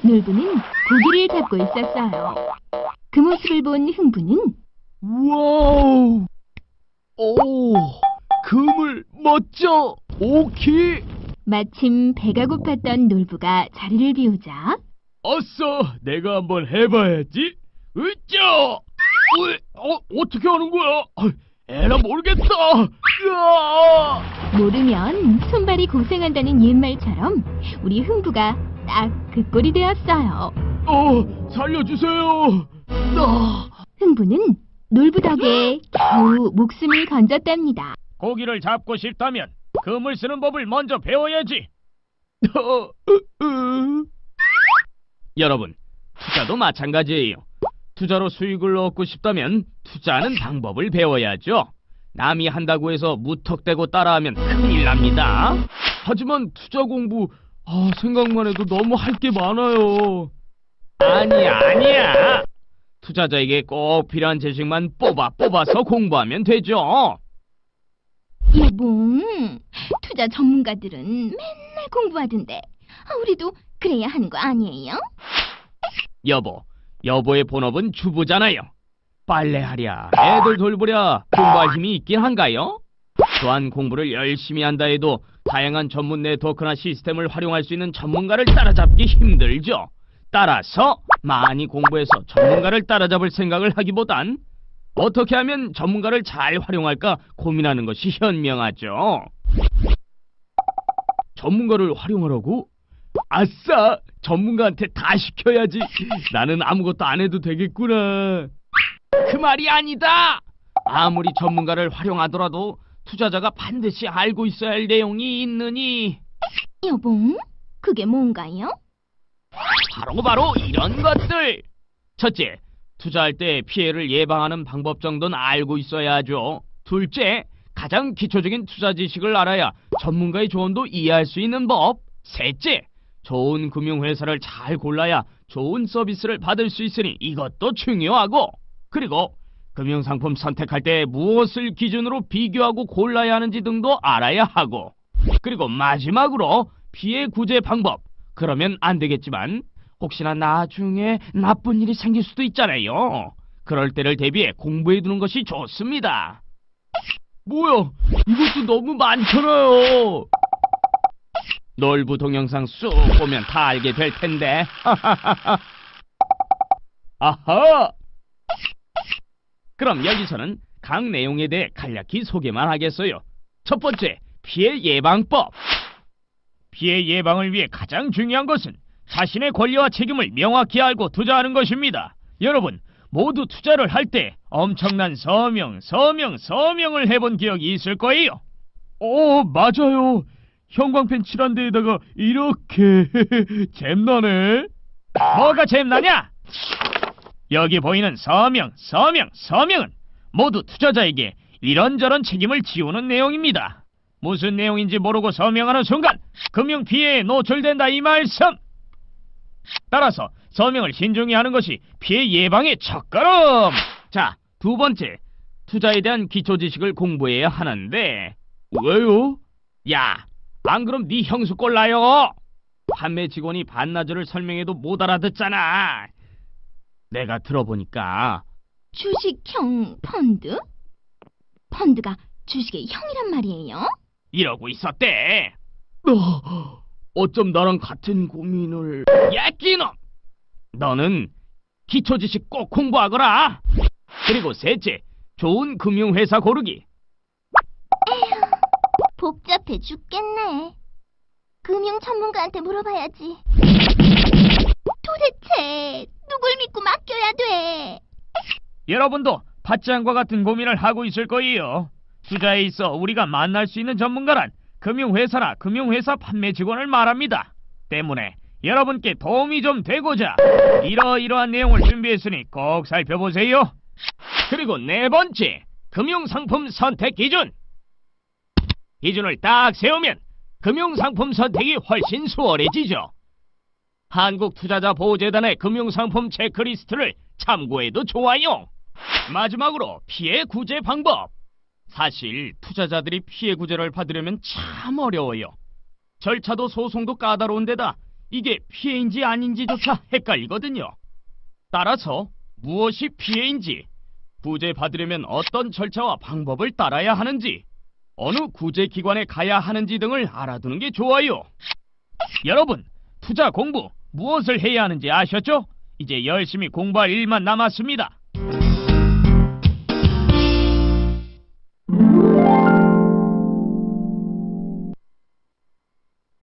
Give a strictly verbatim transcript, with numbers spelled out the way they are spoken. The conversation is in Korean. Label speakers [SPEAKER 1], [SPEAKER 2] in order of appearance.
[SPEAKER 1] 놀부는 고기를 잡고 있었어요. 그 모습을 본 흥부는
[SPEAKER 2] 와우! 오, 그물 멋져! 오키!
[SPEAKER 1] 마침 배가 고팠던 놀부가 자리를 비우자
[SPEAKER 2] 아싸! 내가 한번 해봐야지. 으쌰! 으, 어, 어떻게 하는 거야? 아, 에라 모르겠다. 으아!
[SPEAKER 1] 모르면 손발이 고생한다는 옛말처럼 우리 흥부가 딱 그 꼴이 되었어요.
[SPEAKER 2] 어, 살려주세요. 나.
[SPEAKER 1] 흥부는 놀부 덕에 겨우 목숨을 건졌답니다.
[SPEAKER 2] 고기를 잡고 싶다면 그물 쓰는 법을 먼저 배워야지. 여러분, 투자도 마찬가지예요. 투자로 수익을 얻고 싶다면 투자하는 방법을 배워야죠. 남이 한다고 해서 무턱대고 따라하면 큰일 납니다. 하지만 투자 공부, 아, 생각만 해도 너무 할 게 많아요. 아니야, 아니야. 투자자에게 꼭 필요한 지식만 뽑아 뽑아서 공부하면 되죠.
[SPEAKER 1] 여봉, 투자 전문가들은 맨날 공부하던데 아, 우리도 그래야 하는 거 아니에요?
[SPEAKER 2] 여보, 여보의 본업은 주부잖아요. 빨래하랴, 애들 돌보랴 공부할 힘이 있긴 한가요? 또한 공부를 열심히 한다 해도 다양한 전문 네트워크나 시스템을 활용할 수 있는 전문가를 따라잡기 힘들죠. 따라서 많이 공부해서 전문가를 따라잡을 생각을 하기보단 어떻게 하면 전문가를 잘 활용할까 고민하는 것이 현명하죠. 전문가를 활용하라고? 아싸! 전문가한테 다 시켜야지. 나는 아무것도 안 해도 되겠구나. 그 말이 아니다. 아무리 전문가를 활용하더라도 투자자가 반드시 알고 있어야 할 내용이 있느니.
[SPEAKER 1] 여봉, 그게 뭔가요?
[SPEAKER 2] 바로 바로 이런 것들. 첫째, 투자할 때 피해를 예방하는 방법 정도는 알고 있어야 하죠. 둘째, 가장 기초적인 투자 지식을 알아야 전문가의 조언도 이해할 수 있는 법. 셋째, 좋은 금융회사를 잘 골라야 좋은 서비스를 받을 수 있으니 이것도 중요하고, 그리고 금융상품 선택할 때 무엇을 기준으로 비교하고 골라야 하는지 등도 알아야 하고, 그리고 마지막으로 피해 구제 방법. 그러면 안 되겠지만 혹시나 나중에 나쁜 일이 생길 수도 있잖아요. 그럴 때를 대비해 공부해두는 것이 좋습니다. 뭐야, 이것도 너무 많잖아요. 놀부 동영상 쑥 보면 다 알게 될 텐데. 아하! 그럼 여기서는 각 내용에 대해 간략히 소개만 하겠어요. 첫 번째, 피해 예방법. 피해 예방을 위해 가장 중요한 것은 자신의 권리와 책임을 명확히 알고 투자하는 것입니다. 여러분, 모두 투자를 할 때 엄청난 서명, 서명, 서명을 해본 기억이 있을 거예요. 어, 맞아요. 형광펜 칠한 데에다가 이렇게 잼나네. 뭐가 잼나냐? 여기 보이는 서명, 서명, 서명은 모두 투자자에게 이런저런 책임을 지우는 내용입니다. 무슨 내용인지 모르고 서명하는 순간 금융피해에 노출된다 이 말씀. 따라서 서명을 신중히 하는 것이 피해 예방의 첫걸음. 자, 두 번째, 투자에 대한 기초지식을 공부해야 하는데. 왜요? 야, 안 그럼 네 형수 꼴나요. 판매 직원이 반나절을 설명해도 못 알아듣잖아. 내가 들어보니까
[SPEAKER 1] 주식형 펀드? 펀드가 주식의 형이란 말이에요?
[SPEAKER 2] 이러고 있었대. 어, 어쩜 나랑 같은 고민을. 야, 끼놈! 너는 기초지식 꼭 공부하거라. 그리고 셋째, 좋은 금융회사 고르기.
[SPEAKER 1] 에휴, 복잡해 죽겠네. 금융 전문가한테 물어봐야지. 도대체 누굴 믿고 맡겨야 돼?
[SPEAKER 2] 여러분도 파짱과 같은 고민을 하고 있을 거예요. 투자에 있어 우리가 만날 수 있는 전문가란 금융회사나 금융회사 판매 직원을 말합니다. 때문에 여러분께 도움이 좀 되고자 이러이러한 내용을 준비했으니 꼭 살펴보세요. 그리고 네 번째, 금융상품 선택 기준. 기준을 딱 세우면 금융상품 선택이 훨씬 수월해지죠. 한국투자자보호재단의 금융상품 체크리스트를 참고해도 좋아요. 마지막으로 피해 구제 방법. 사실 투자자들이 피해 구제를 받으려면 참 어려워요. 절차도 소송도 까다로운 데다 이게 피해인지 아닌지조차 헷갈리거든요. 따라서 무엇이 피해인지, 구제받으려면 어떤 절차와 방법을 따라야 하는지, 어느 구제기관에 가야 하는지 등을 알아두는 게 좋아요. 여러분, 투자 공부 무엇을 해야 하는지 아셨죠? 이제 열심히 공부할 일만 남았습니다.